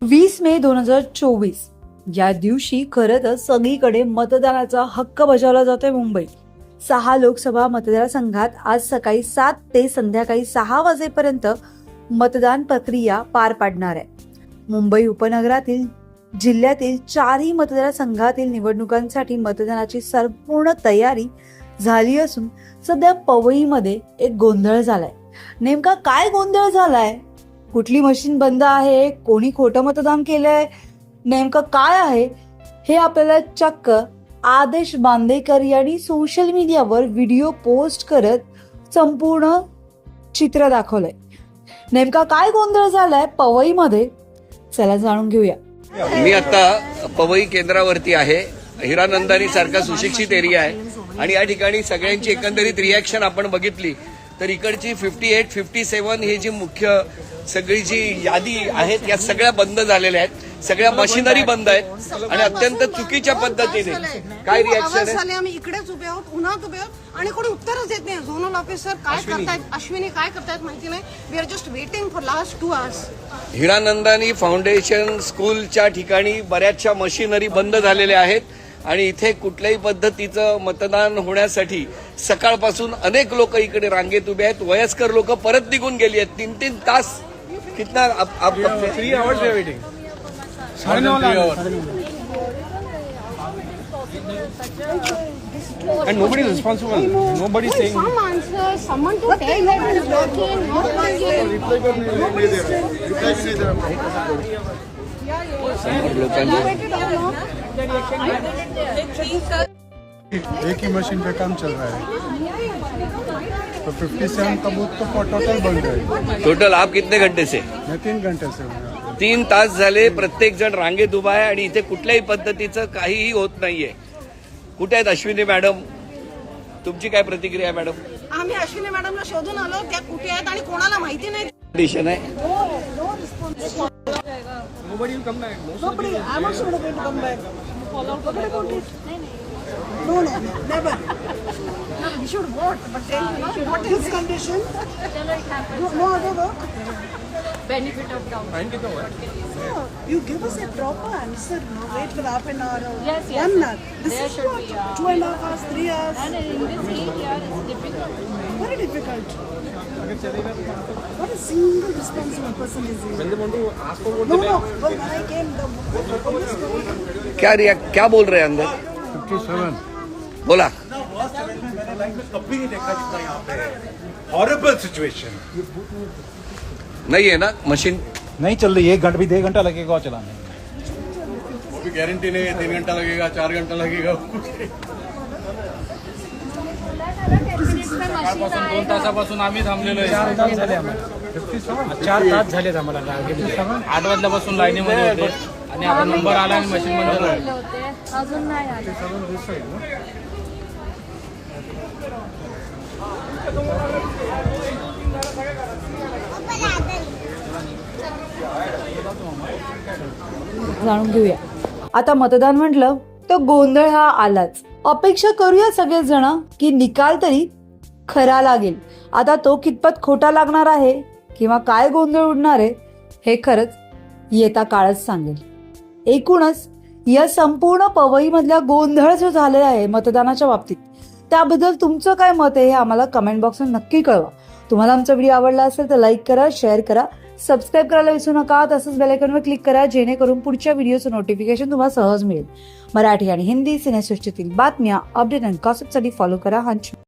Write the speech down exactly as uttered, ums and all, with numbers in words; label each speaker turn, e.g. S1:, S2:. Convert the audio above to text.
S1: वीस मे दोन हजार चोवीस या दिवशी खरं तर सगळीकडे मतदानाचा हक्क बजावला जातोय मुंबईत. सहा लोकसभा मतदारसंघात आज सकाळी सात ते संध्याकाळी सहा वाजेपर्यंत मतदान प्रक्रिया पार पाडणार आहे. मुंबई उपनगरातील जिल्ह्यातील चारही मतदारसंघातील निवडणुकांसाठी मतदानाची संपूर्ण तयारी झाली असून सध्या पवईमध्ये एक गोंधळ झालाय. नेमका काय गोंधळ झालाय? कुठली मशीन बंद आहे? कोणी खोटं मतदान केलंय? नेमकं काय आहे हे आपल्याला चक्क आदेश बांदेकर यांनी सोशल मीडियावर व्हिडिओ पोस्ट करत संपूर्ण चित्र दाखवलंय. नेमका काय गोंधळ झालाय पवईमध्ये, चला जाणून घेऊया.
S2: मी आता पवई केंद्रावरती आहे. हिरानंदानी सारखा सुशिक्षित एरिया आहे आणि या ठिकाणी सगळ्यांची एकंदरीत रिॲक्शन आपण बघितली तर इकडची फिफ्टी एट फिफ्टी सेवन ही जी मुख्य सगळी जी यादी आहेत या सगळ्या बंद झालेल्या आहेत. सगळ्या मशिनरी बंद आहेत आणि अत्यंत चुकीच्या पद्धतीने. काय रिॲक्शन आहे?
S3: आम्ही इकडेच उभे आहोत, उन्हात उभे आहोत आणि कोणी उत्तरच देत नाही. झोनल ऑफिसर काय करतायत, अश्विनी काय करतायत माहिती नाही. We are just waiting for last two hours.
S2: Hiranandani foundation स्कूलच्या ठिकाणी बऱ्याचशा मशिनरी बंद झालेल्या आहेत आणि इथे कुठल्याही पद्धतीचं मतदान होण्यासाठी सकाळपासून अनेक लोक इकडे रांगेत उभे आहेत. वयस्कर लोक परत निघून गेली आहेत. तीन तीन तास कितना three hours waiting.
S4: And nobody is responsible. Nobody is saying.
S3: Some answer, someone to tell that is working, not working.
S4: एक ही मशीन पे काम चल रहा है तो फिफ्टी सेवन का बूथ तो टोटल बंद है.
S2: टोटल आप कितने घंटे से?
S4: मैं तीन घंटे से हूँ.
S2: तीन तास झाले प्रत्येक जण रांगेत उभा आहे आणि इथे कुठल्याही पद्धतीचं काहीही होत नाहीये. कुठे आहेत अश्विनी मॅडम? तुमची काय प्रतिक्रिया आहे मॅडम?
S3: आम्ही अश्विनी मॅडमला शोधून आलो, त्या कुठे आहेत आणि कोणाला माहिती नाही.
S2: कंडिशन आहे.
S4: Nobody will come back.
S3: Nobody. I'm also not going to come back. Follow up. No, no, never. No, we should vote, but tell me what is condition? No, no, no, no.
S5: Benefit of doubt.
S3: No, you give us a proper answer. No, wait for half an hour or
S5: Yes, yes.
S3: one hour. This
S5: There
S3: is
S5: should
S3: what?
S5: be, uh,
S3: Two and a half hours, three hours.
S5: And in this heat here, it's difficult.
S3: Very difficult. Not a single responsible person is here.
S4: When they want to ask for vote,
S3: No, no. Well, when I came, the police told
S2: क्या रिया क्या बोल रहे हैं अंदर?
S4: Fifty seven.
S2: बोला.
S6: कभी नहीं देखा जितना यहाँ पे हॉरिबल सिचुएशन.
S2: नहीं है ना मशीन?
S7: नहीं चल रही. एक घंटा भी डेढ़ घंटा लगेगा चलाने.
S6: वो भी गारंटी नहीं है. तीन घंटा लगेगा, चार घंटा लगेगा.
S8: सकाळपासून दोन तासापासून आम्ही थांबलेलो आहे.
S7: चार तास झाले आम्हाला.
S8: चार तास झालेत आम्हाला रांगेमध्ये. आठ वाजल्यापासून लाईनीमध्ये होते आणि आता नंबर आला आणि मशीन बंद झालं.
S5: अजून नाही आले.
S1: जाणून घेऊया. आता मतदान म्हटलं तर गोंधळ हा आलाच. अपेक्षा करूया सगळेच जण की निकाल तरी खरा लागेल. आता तो कितपत खोटा लागणार आहे किंवा काय गोंधळ उडणार आहे हे खरंच येता काळच सांगेल. एकूणच या संपूर्ण पवईमधल्या गोंधळ जो झालेला आहे मतदानाच्या बाबतीत त्याबद्दल तुमचं काय मत आहे हे आम्हाला कमेंट बॉक्समध्ये नक्की कळवा. तुम्हाला आमचा व्हिडिओ आवडला असेल तर लाईक करा, शेअर करा, सबस्क्राईब करायला विसरू नका. तसंच बेल आयकॉनवर क्लिक करा जेणेकरून पुढच्या व्हिडिओचं नोटिफिकेशन तुम्हाला सहज मिळेल. मराठी आणि हिंदी सिनेसृष्टीतील बातम्या, अपडेट आणि गॉसिपसाठी फॉलो करा हंच.